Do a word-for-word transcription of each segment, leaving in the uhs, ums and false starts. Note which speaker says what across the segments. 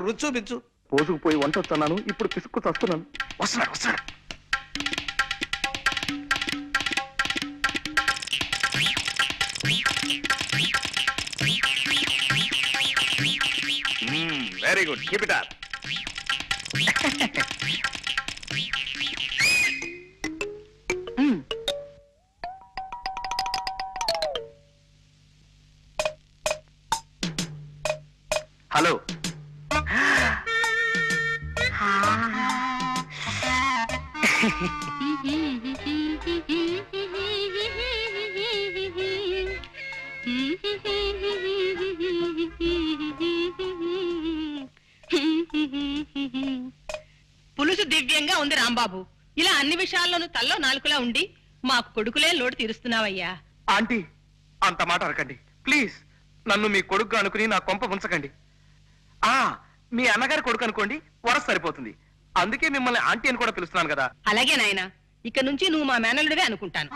Speaker 1: రుచి చూపించు.
Speaker 2: పోసుకుపోయి వంట వస్తున్నాను, ఇప్పుడు పిసుక్కు వస్తున్నాను.
Speaker 1: వస్తున్నాడు వస్తున్నాడు. Very good, keep it up.
Speaker 2: Hello,
Speaker 3: పులుసు దివ్యంగా ఉంది రాంబాబు. ఇలా అన్ని విషయాల్లోనూ తల్లో నాలుగులా ఉండి మాకు కొడుకులే లోటు తీరుస్తున్నావయ్యా.
Speaker 2: ఆంటీ అంత మాట అనకండి ప్లీజ్. నన్ను మీ కొడుకు అనుకుని నా కొంప ఉంచకండి. ఆ మీ అన్నగారి కొడుకు అనుకోండి, వరస సరిపోతుంది. అందుకే మిమ్మల్ని ఆంటీ అని కూడా పిలుస్తున్నాను కదా.
Speaker 3: అలాగే నాయనా, ఇక నుంచి నువ్వు మా మేనల్లుడివే అనుకుంటాను.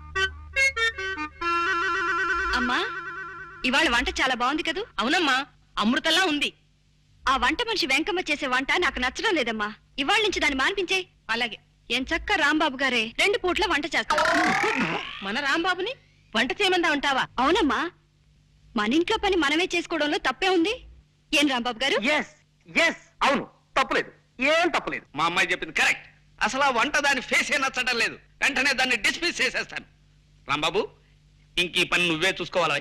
Speaker 4: అమ్మా, ఇవాళ వంట చాలా బాగుంది కదూ?
Speaker 3: అవునమ్మా, అమృతంలా ఉంది.
Speaker 4: ఆ వంట మనిషి వెంకమ్మ చేసే వంట నాకు నచ్చడం లేదమ్మా. ఇవాళ నుంచి దాన్ని మాన్పించే.
Speaker 3: అలాగే.
Speaker 4: ఏం చక్క రాంబాబు గారే రెండు పూట్ల వంట చేస్తారు.
Speaker 3: మన రాంబాబుని వంట చేయమందా ఉంటావా?
Speaker 4: అవునమ్మా, మన ఇంట్లో పని మనమే చేసుకోవడంలో తప్పే ఉంది. ఏం రాంబాబు గారు?
Speaker 2: ఎస్ ఎస్ అవును, తప్పులేదు, ఏం తప్పులేదు.
Speaker 1: మా అమ్మాయి చెప్పింది కరెక్ట్. అసలు ఆ వంట దాని ఫేసే నచ్చడం లేదు. వెంటనే దాన్ని డిస్మిస్ చేసేస్తాను. రాంబాబు, ఇంక ఈ పని నువ్వే చూసుకోవాలా?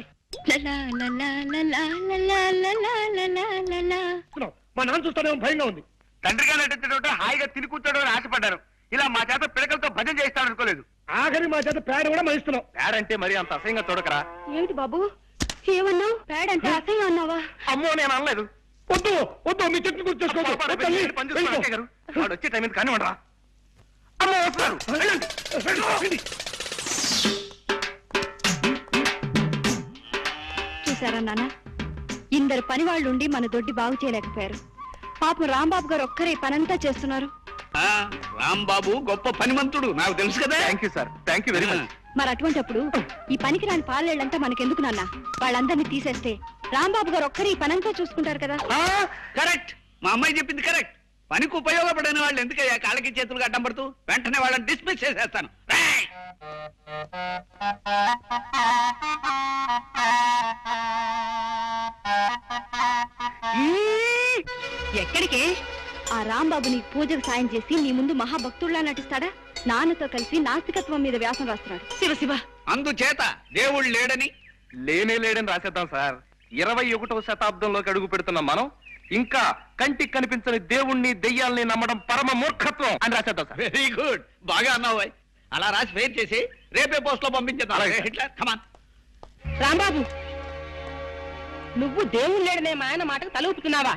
Speaker 2: మా నాన్న చూస్తానే భయంగా ఉంది. తండ్రిగా నటించడం హాయిగా తిని కూర్చోడం అని ఆశపడ్డాను. ఇలా మా చేత పిడకలతో భజన చేస్తాను అనుకోలేదు. ఆఖరి మా చేత పేడ కూడా మహిస్తున్నావు. పేడ అంటే మరి అంత అసహ్యంగా చూడకరా.
Speaker 4: ఏమిటి బాబు ఏమన్నావు? పేడ అంటే అసహ్యం అన్నావా?
Speaker 2: అమ్మో, నేను అనలేదు. వద్దు వద్దు, మీ చెట్టు కూర్చోసుకోవద్దు. వాడు వచ్చే టైం కానీ ఉండరా. అమ్మో వస్తున్నారు.
Speaker 4: చూసారా నాన్న, ఇందరు పని వాళ్ళు ఉండి మన దొడ్డి బాగు చేయలేకపోయారు. పాపం రాంబాబు గారు ఒక్కరే పనంతా చేస్తున్నారు.
Speaker 1: రాంబాబు గొప్ప పనిమంతుడు, నాకు తెలుసు కదా.
Speaker 2: Thank you sir, thank you very much.
Speaker 4: మరి అటువంటిప్పుడు ఈ పనికి రాని పాలేళ్ళంతా మనకెందుకు నాన్న? వాళ్ళందరినీ తీసేస్తే రాంబాబు గారు ఒక్కరే ఈ పనంతా చూసుకుంటారు కదా.
Speaker 1: కరెక్ట్, మా అమ్మాయి చెప్పింది కరెక్ట్. పనికి ఉపయోగపడని వాళ్ళు ఎందుకయ్యా కాళ్ళకి చేతులు అడ్డం పడుతూ? వెంటనే వాళ్ళని డిస్మిస్ చేసేస్తాను.
Speaker 4: ఎక్కడికి? ఆ రాంబాబు నీకు పూజకు సాయం చేసి నీ ముందు మహాభక్తుల్లా నటిస్తాడా? నాన్నతో కలిసి నాస్తికత్వం మీద వ్యాసం రాస్తున్నాడు.
Speaker 3: శివ శివ,
Speaker 1: అందుచేత దేవుడు లేడని
Speaker 2: లేనే లేడని రాసేద్దాం సార్. ఇరవై ఒకటవ శతాబ్దంలోకి అడుగు పెడుతున్న మనం ఇంకా కంటికి కనిపించని దేవుణ్ణి దెయ్యాల్ని నమ్మడం పరమ మూర్ఖత్వం అని రాసేద్దాం సార్.
Speaker 1: వెరీ గుడ్, బాగా అన్నావు. అలా రాసి ఫెయిర్ చేసి రేపే పోస్ట్ లో పంపించేద్దాం.
Speaker 3: రాంబాబు, నువ్వు దేవుడు లేడనే మా ఆయన మాటకు తల ఊపుతున్నావా?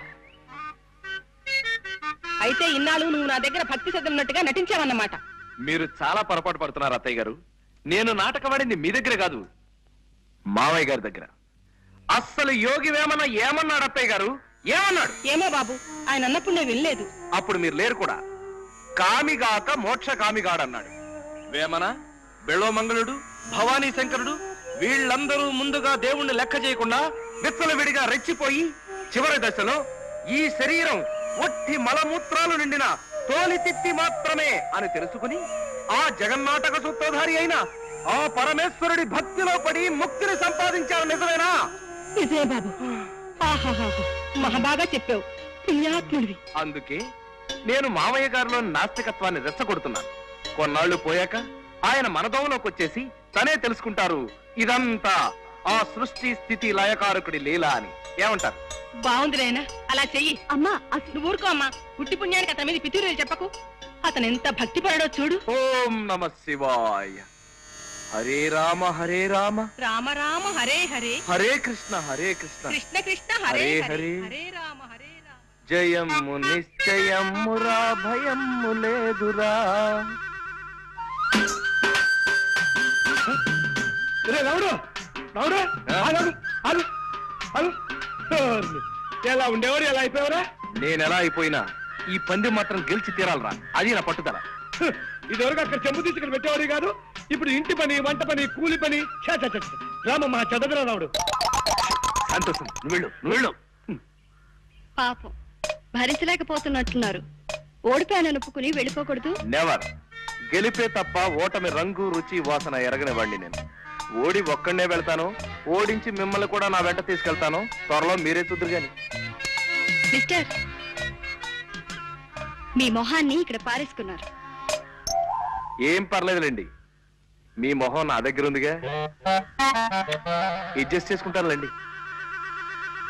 Speaker 3: అయితే ఇన్నాళ్ళు నువ్వు నా దగ్గర భక్తి శ్రద్ధ ఉన్నట్టుగా నటించావన్నమాట.
Speaker 2: మీరు చాలా పొరపాటు పడుతున్నారు అత్తయ్య గారు. నేను నాటకవాడింది మీ దగ్గర కాదు, మావయ్య గారి దగ్గర. అస్సలు యోగి వేమన ఏమన్నాడు అత్తయ్య గారు? ఏమన్నాడు?
Speaker 3: ఏమో బాబు, ఆయన అన్నప్పుడు నేను వినలేదు.
Speaker 2: అప్పుడు మీరు లేరు కూడా. కామిగాక మోక్ష కామిగాడన్నాడు. వేమన, బెళోమంగళుడు, భవానీ శంకరుడు వీళ్ళందరూ ముందుగా దేవుణ్ణి లెక్క చేయకుండా విచ్చలవిడిగా రెచ్చిపోయి చివరి దశలో ఈ శరీరం ఒట్టి మలమూత్రాలు నిండిన తోలి తిత్తి మాత్రమే అని తెలుసుకుని ఆ జగన్నాటక సూత్రధారి అయిన ఆ పరమేశ్వరుడి భక్తిలో పడి ముక్తిని సంపాదించారు. నిజమేనా?
Speaker 3: నిజమే బాబు. మహాబాగా చెప్పావు, పుణ్యాత్ముడివి.
Speaker 2: అందుకే నేను మామయ్య గారిలో నాస్తికత్వాన్ని రెచ్చగొడుతున్నాను. కొన్నాళ్లు పోయాక ఆయన మనదోవలోకి వచ్చేసి తనే తెలుసుకుంటారు ఇదంతా ఆ సృష్టి స్థితి లయకారకుడి లీల అని. ఏమంటారు?
Speaker 3: బాగుంది నాయనా, అలా చెయ్యి.
Speaker 4: అమ్మా
Speaker 3: నువ్వు ఊరుకో అమ్మా. పుట్టి పుణ్యానికి అతని మీద పితూరు చెప్పకు. అతను ఎంత భక్తి పడడో చూడు.
Speaker 2: ఓం నమ శివాయ. హరే రామ హరే రామ
Speaker 3: రామ రామ హరే హరే
Speaker 2: హరే కృష్ణ హరే కృష్ణ
Speaker 3: కృష్ణ కృష్ణ హరే హరే హరే రామ హరే రామ.
Speaker 2: జయము నిశ్చయమురా భయము లేదురా.
Speaker 5: ఎలా ఉండేవారు, ఎలా అయిపోయావరా?
Speaker 2: నేను ఎలా అయిపోయినా ఈ పంది మాత్రం గెలిచి తీరాలరా, అది నా పట్టుదల.
Speaker 5: ఇదివరకు అక్కడ చెంబు తీసుకుని పెట్టేవాడు కాదు, ఇప్పుడు ఇంటి పని, వంట పని, కూలి పని. రామమ్మ చదవరా రావుడు.
Speaker 2: సంతోషం, నువ్వు వెళ్ళు, నువ్వు వెళ్ళు.
Speaker 4: పాపం భరించలేకపోతున్నట్టున్నారు. ఓడిపోయానని ఒప్పుకుని వెళ్ళిపోకూడదు.
Speaker 2: నెవర్. గెలిపే తప్ప ఓటమి రంగు రుచి వాసన ఎరగనివ్వండి. నేను ఓడి ఒక్కడనే వెళ్తాను, ఓడించి మిమ్మల్ని కూడా నా వెంట తీసుకెళ్తాను. త్వరలో మీరే చూద్దరు గాని.
Speaker 4: మిస్టర్, మీ మొహాన్ని ఇక్కడ పారేసుకున్నారు.
Speaker 2: ఏం పర్లేదులేండి, మీ మొహం నా దగ్గర ఉందిగా, అడ్జస్ట్ చేసుకుంటానులేండి.